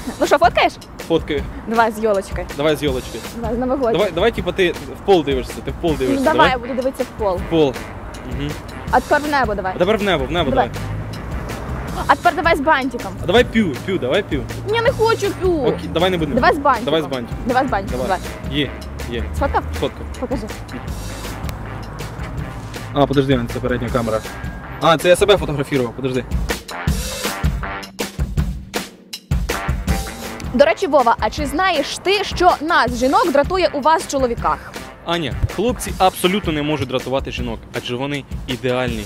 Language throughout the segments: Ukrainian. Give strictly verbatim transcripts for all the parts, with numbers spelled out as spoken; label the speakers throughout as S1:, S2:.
S1: Ну що, фоткаєш?
S2: Фоткаю.
S1: Давай з йолочкою.
S2: Давай з йолочки.
S1: Давай, з новогодньою.
S2: Давай, давай, типа, ти в пол дивишся, ти в пол дивишся.
S1: Ну, давай, я буду дивитися в пол.
S2: В пол. Угу.
S1: А тепер в небо давай.
S2: А тепер в небо, в небо
S1: Давай.
S2: давай.
S1: А тепер давай з бантиком.
S2: А давай п'ю, п'ю, давай п'ю.
S1: Я не хочу п'ю.
S2: Окей, давай не будемо.
S1: Давай з бантиком.
S2: Давай з бантиком.
S1: Давай з бантиком,
S2: Давай.
S1: давай.
S2: Є, є.
S1: Сфоткав?
S2: Фотка.
S1: Покажи.
S2: А, подожди, це передня камера. А, це я себе фотографував, подожди.
S1: До речі, Вова, а чи знаєш ти, що нас, жінок, дратує у вас в чоловіках?
S2: Аня, хлопці абсолютно не можуть дратувати жінок, адже вони ідеальні.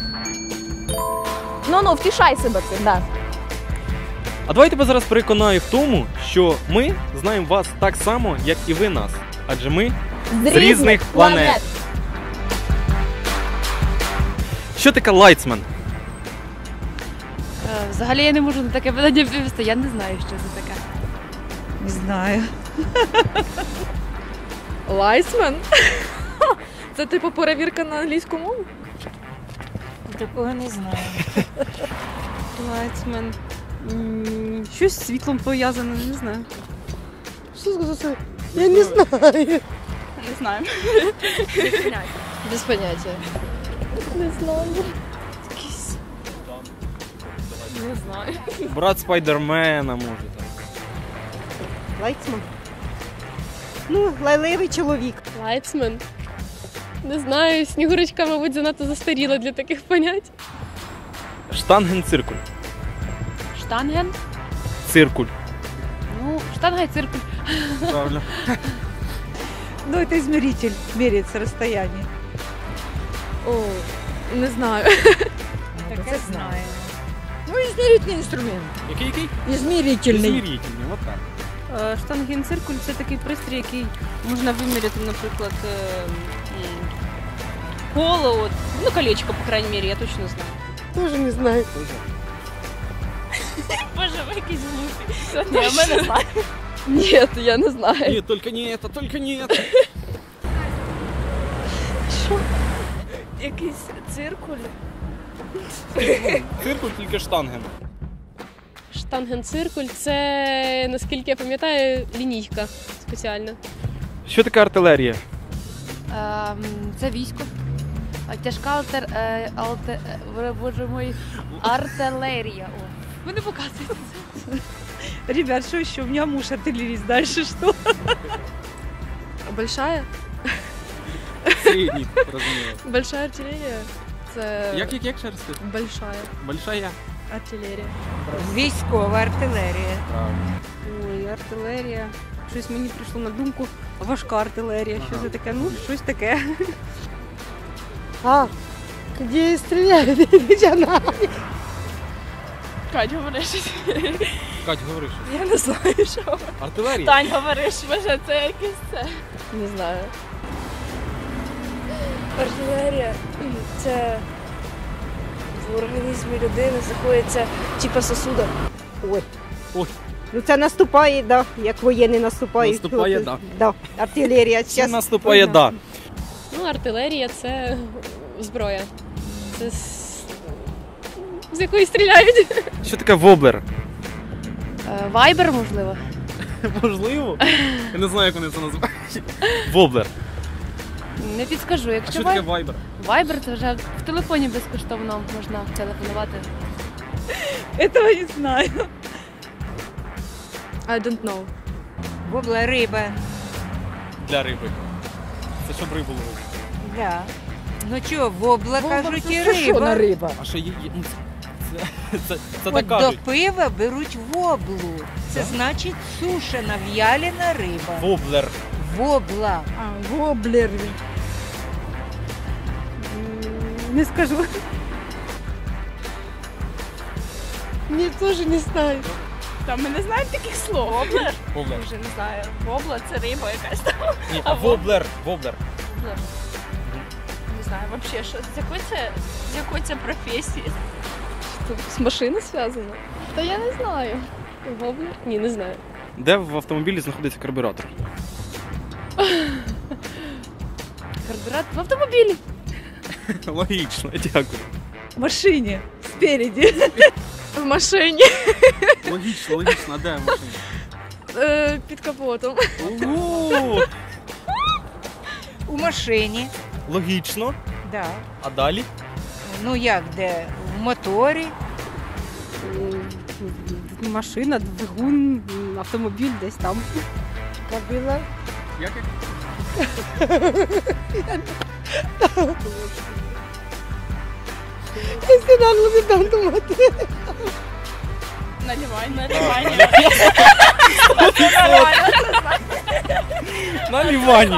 S1: Ну-ну, втішай себе цим, да.
S2: А давай тебе зараз переконаю в тому, що ми знаємо вас так само, як і ви нас. Адже ми з різних планет. Що таке лайтсмен?
S3: Взагалі я не можу на таке питання відповісти, я не знаю, що це таке.
S4: Не знаю.
S5: Лайсмен? Це типу перевірка на англійську мову?
S4: Такого не знаю.
S3: Лайтсмен. Щось з світлом пов'язане, не знаю.
S4: Що це? Я не знаю.
S3: Не знаю. Без поняття.
S5: Не знаю.
S3: Не знаю.
S2: Брат Спайдермена може так.
S4: Лайтсман. Ну, лайливий чоловік.
S5: Лайтсмен? Не знаю, Снігурочка, мабуть, занадто застаріла для таких понять.
S2: Штангенциркуль.
S3: Штанген?
S2: Циркуль.
S3: Ну, штанга і циркуль.
S2: Правильно.
S4: Ну, это измеритель, меряется расстояние.
S5: О, не знаю.
S4: Таке знаю. Ну, измерительный инструмент.
S2: Який який?
S4: Измерительный.
S2: Змірительний, от так.
S3: Штангенциркуль – це такий пристрій, який можна виміряти, наприклад, е, м, коло, от, ну, колечко, по крайній мірі, я точно знаю.
S4: Тоже не знаю.
S3: Боже, ви якісь глупі. Ні, я мене знаю.
S5: Ні, я не знаю.
S2: Ні, тільки не це, тільки не це.
S5: Якийсь циркуль?
S2: Циркуль тільки штанген.
S5: Штангенциркуль – це, наскільки я пам'ятаю, лінійка спеціальна.
S2: Що таке артилерія?
S3: Ем, Це військо. А Тяжка алтер, е, алте, е, боже мой, артилерія. О, ви не показуєте це.
S4: Ребят, что еще? У меня муж артиллерист. Дальше что?
S5: Большая?
S2: Середній, розумію.
S5: Большая артилерія? Це...
S2: Як, як, як ще раз сказати?
S5: Большая
S2: Большая.
S5: артилерія.
S4: Військова артилерія.
S2: Правильно.
S3: Ой, артилерія. Щось мені прийшло на думку. Важка артилерія. Що
S2: Ага.
S3: це таке? Ну, щось таке.
S4: А, где стреляют? Где она?
S5: Кать, говори щось.
S2: Кать, говори що.
S5: Я не знаю, що.
S2: Артилерія?
S5: Тань, говориш, може це якесь це? Не знаю.
S6: Артилерія – це в організмі людини знаходиться типа сосуда.
S4: Ой.
S2: Ой.
S4: Ну це наступає, да, як воєнні наступають.
S2: Наступає,
S4: От,
S2: да.
S4: Да. Артилерія.
S2: Це
S4: Щас
S2: наступає,
S4: війна.
S2: да.
S5: Ну, артилерія – це зброя. Це з, з якої стріляють.
S2: Що таке воблер?
S3: Вайбер, можливо.
S2: Можливо. Я не знаю, як вони це називають. Воблер.
S3: Не підскажу.
S2: А
S3: Якщо
S2: що таке
S3: вай...
S2: вайбер?
S3: Вайбер, це вже в телефоні безкоштовно можна телефонувати.
S4: Этого не знаю.
S5: I don't know.
S4: Вобла риба.
S2: Для риби. Це щоб рибу ловити.
S4: Да. Ну чого, вобла, кажуть, і риба.
S7: риба?
S2: А ще є... є- ну, Це, це, це
S7: От
S2: так
S7: до
S2: кажуть.
S7: пива беруть воблу. Це значить сушена, в'ялена риба.
S2: Воблер.
S7: Вобла.
S4: А, воблер. Не скажу.
S5: Ні, теж не знаю. Там ми не знаємо таких слов. Воблер?
S2: Воблер.
S5: Вже не знаю. Вобла – це риба якась там.
S2: Ні, а воблер. Воблер.
S5: Воблер. Не знаю, взагалі, що з якої це, з якої це професії? Що, з машини зв'язано? Та я не знаю. Воблер? Ні, не знаю.
S2: Де в автомобілі знаходиться карбюратор?
S3: Карбюратор в автомобілі.
S2: Логічно, дякую.
S4: В машині. Спереді.
S5: В машині.
S2: Логічно, логічно, а де в машині?
S5: Е, під капотом.
S2: Ого!
S7: У машині.
S2: Логічно.
S7: Да.
S2: А далі?
S7: Ну як де? В моторі.
S8: Машина, двигун, автомобіль десь там.
S6: Кабіла.
S2: Як?
S5: Наливання.
S2: На лівані.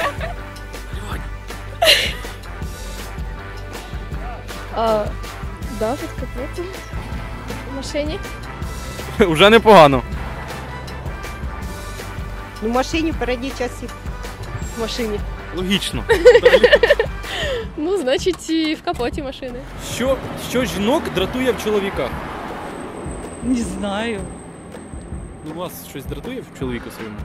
S5: А, да, під капотом. В машині.
S2: Уже непогано.
S8: Ну, в машині в передній часті.
S5: В машині.
S2: Логічно.
S5: Ну, значить, і в капоті машини.
S2: Що, що жінок дратує в чоловіках?
S4: Не знаю.
S2: Ну, вас щось дратує в чоловіку своєму?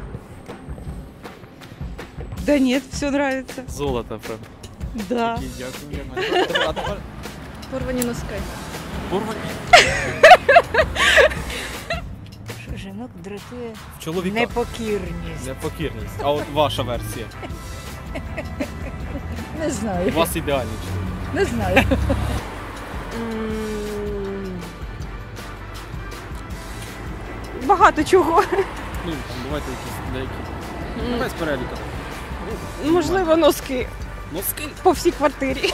S4: Да нет, все нравится.
S2: Золото, правда.
S4: Да.
S2: Окей, дякую. Дякую. А тепер
S5: Порвані носки.
S2: порвані.
S7: Що жінок дратує
S2: В чоловіках.
S7: непокірність.
S2: Непокірність. А от ваша версія.
S7: Не знаю.
S2: У вас ідеальний чоловік.
S7: Не знаю.
S8: Багато чого.
S2: Ну, там бувайте якісь деякі. Ну, без переліка.
S8: Можливо, носки
S2: Носки.
S8: по всій квартирі.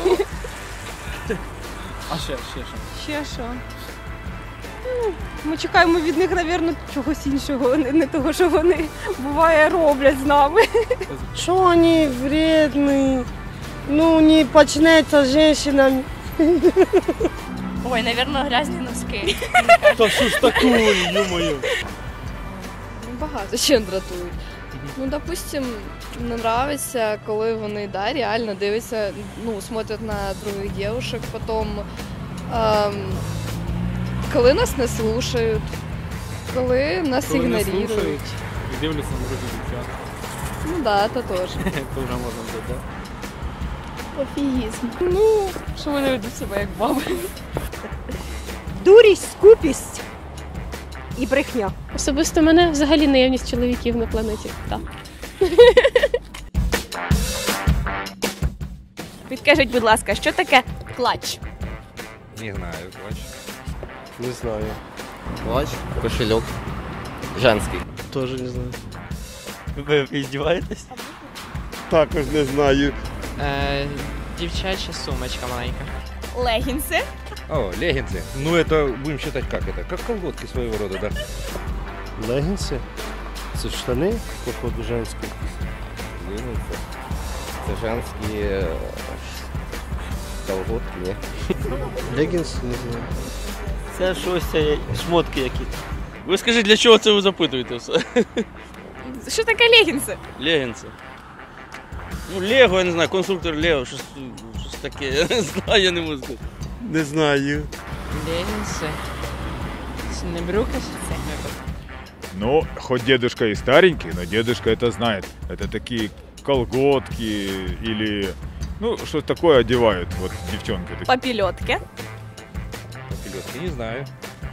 S2: А ще, ще, ще.
S8: Ще що? Ну, ми чекаємо від них, мабуть, чогось іншого, не, не того, що вони буває роблять з нами.
S6: Що вони вредні? Ну, не почнеться з жінками.
S5: Ой, напевно, грязні носки.
S2: Та що ж такое, ё-моё.
S5: Багато ще дратують. Ну, допустим, не нравится, коли вони, да, реально дивляться, ну, смотрят на других девушек, потом, ем, коли нас не слушають, коли нас
S2: Коли не
S5: ігнорують.
S2: слухають і дивляться на других дівчат.
S5: Ну да, це теж.
S2: Це вже можна бути, так?
S5: Пофігізм. Ну, що вони ведуть себе як баби.
S8: Дурість, скупість і брехня.
S5: Особисто мене взагалі наявність чоловіків на планеті. Так.
S1: Підкажіть, будь ласка, що таке клач?
S9: Не знаю, плащ.
S10: Не знаю.
S11: Плащ, кошелек. Женский.
S10: Тоже не знаю.
S11: Ви издеваетесь?
S10: Також не знаю.
S11: Е, дівчача сумочка маленька.
S1: Легінси.
S9: О, леггинсы. Ну, это будем считать как это? Как колготки своего рода, да?
S10: Легінси? Це штани, походу, женські.
S11: Леггинсы. Це женські е, колготки, ні?
S10: Легінси, не знаю.
S11: Це щось, е, шмотки які. Ви скажіть, для чого це ви запитуєте все?
S1: Що таке легінси?
S11: Легінси. Ну, Лего, я не знаю, конструктор Лего, щось, щось таке, я не знаю, я не можу сказати.
S10: Не знаю.
S11: Легінси. Це не брюки?
S12: Ну, хоть дедушка и старенький, но дедушка это знает. Это такие колготки или... Ну, что такое одевают вот девчонки.
S1: Попільотки.
S9: Попелетки, не знаю.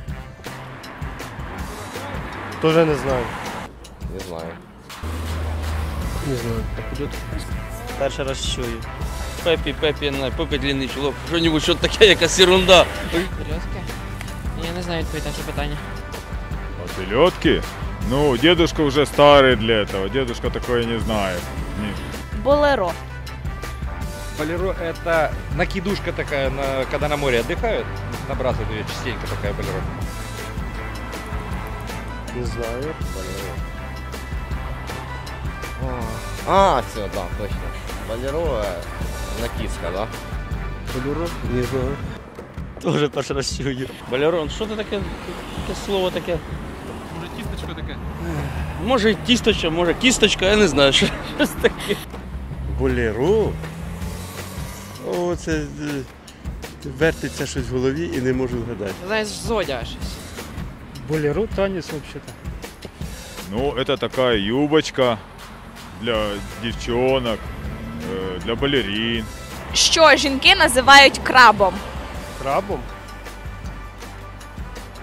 S10: Тоже не знаю.
S11: Не знаю.
S10: Не знаю.
S11: Перший раз чую. Пепі, Пепі, я не знаю, Пепі длинний чолок. Що-нибудь, що таке, якась ерунда. Серйозки? Я не знаю відповідь на це питання.
S12: Попелетки? Ну, дедушка уже старый для этого. Дедушка такое не знает. Не.
S1: Болеро.
S9: Болеро — это накидушка такая, на, когда на море отдыхают. Набрасывают ее частенько, такая болеро.
S10: Не знаю.
S11: А, все, да, точно. Болеро, накидка, да?
S10: Болеро? Не знаю.
S11: Тоже перший раз чую. Болеро, що це таке, таке слово таке?
S2: Може тісточко таке?
S11: Може тісточка, може кісточка, я не знаю, що, щось таке.
S10: Болеро? О, це е, вертиться щось в голові і не можу вгадати.
S11: Знаєш, зодя щось.
S10: Болеро танець взагалі-то.
S12: Ну, это такая юбочка для девчонок, э, для балерин.
S1: Що жінки називають крабом?
S10: Крабом?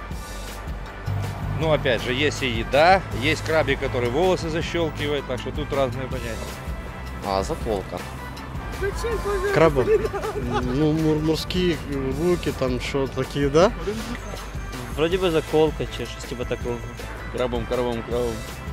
S9: Но опять же, есть и еда, есть крабик, который волосы защелкивает, так что тут разные понятия.
S11: А, заколка.
S13: Краба. Ну, мур- морські руки, там що такі, да?
S11: Вроді би заколка чи щось типу такого. Крабом, крабом, крабом.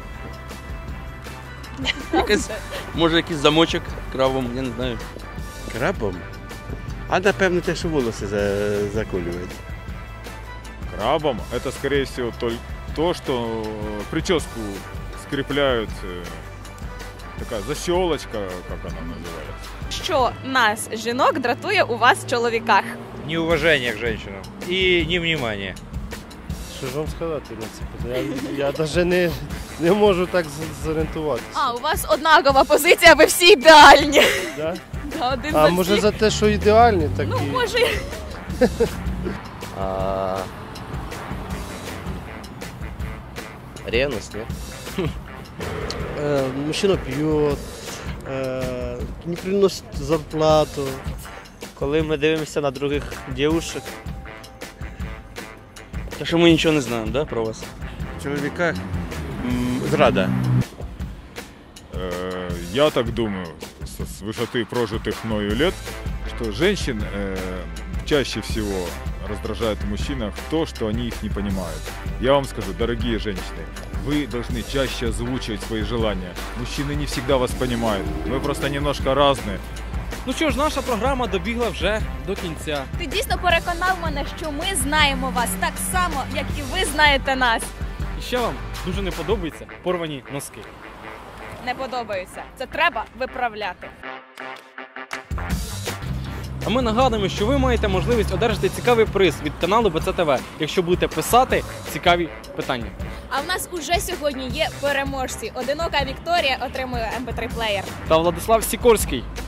S11: Якась, може якийсь замочок крабом, я не знаю.
S10: Крабом? А напевно те, що волоси за- заколюють.
S12: Крабом это, скорее всего, только то, что прическу скрепляют. э, Такая защелочка, как она называется.
S1: Що нас, жінок, дратує у вас в чоловіках?
S9: Неуважение к женщинам и невнимание.
S13: Що ж вам сказати на це питання? Я, я навіть не, не можу так з- зорієнтуватися.
S1: А, у вас однакова позиція, ви всі ідеальні.
S13: Да?
S1: Да, один
S13: А
S1: за
S13: може
S1: всіх.
S13: за те, що ідеальні, так
S1: Ну,
S13: і...
S1: може.
S11: А... Ревность, нет?
S13: Э, мужчина пьет, э, не приносит зарплату.
S11: Коли ми дивимося на других дівушек. Та що ми нічого не знаємо, да, про вас?
S10: В чоловіках м, зрада.
S12: Э, Я так думаю, с с высоты прожитых мною лет, что женщин э, чаще всего раздражает в мужчинах то, что они их не понимают. Я вам скажу, дорогие женщины, вы должны чаще озвучивать свои желания. Мужчины не всегда вас понимают. Вы просто немножко разные.
S2: Ну що ж, наша програма добігла вже до кінця.
S1: Ти дійсно переконав мене, що ми знаємо вас так само, як і ви знаєте нас.
S2: І ще вам дуже не подобаються порвані носки.
S1: Не подобаються. Це треба виправляти.
S2: А ми нагадуємо, що ви маєте можливість одержати цікавий приз від каналу Б Ц Т В, якщо будете писати цікаві питання.
S1: А в нас уже сьогодні є переможці. Одинока Вікторія отримує ем пі три плеєр.
S2: Та Владислав Сікорський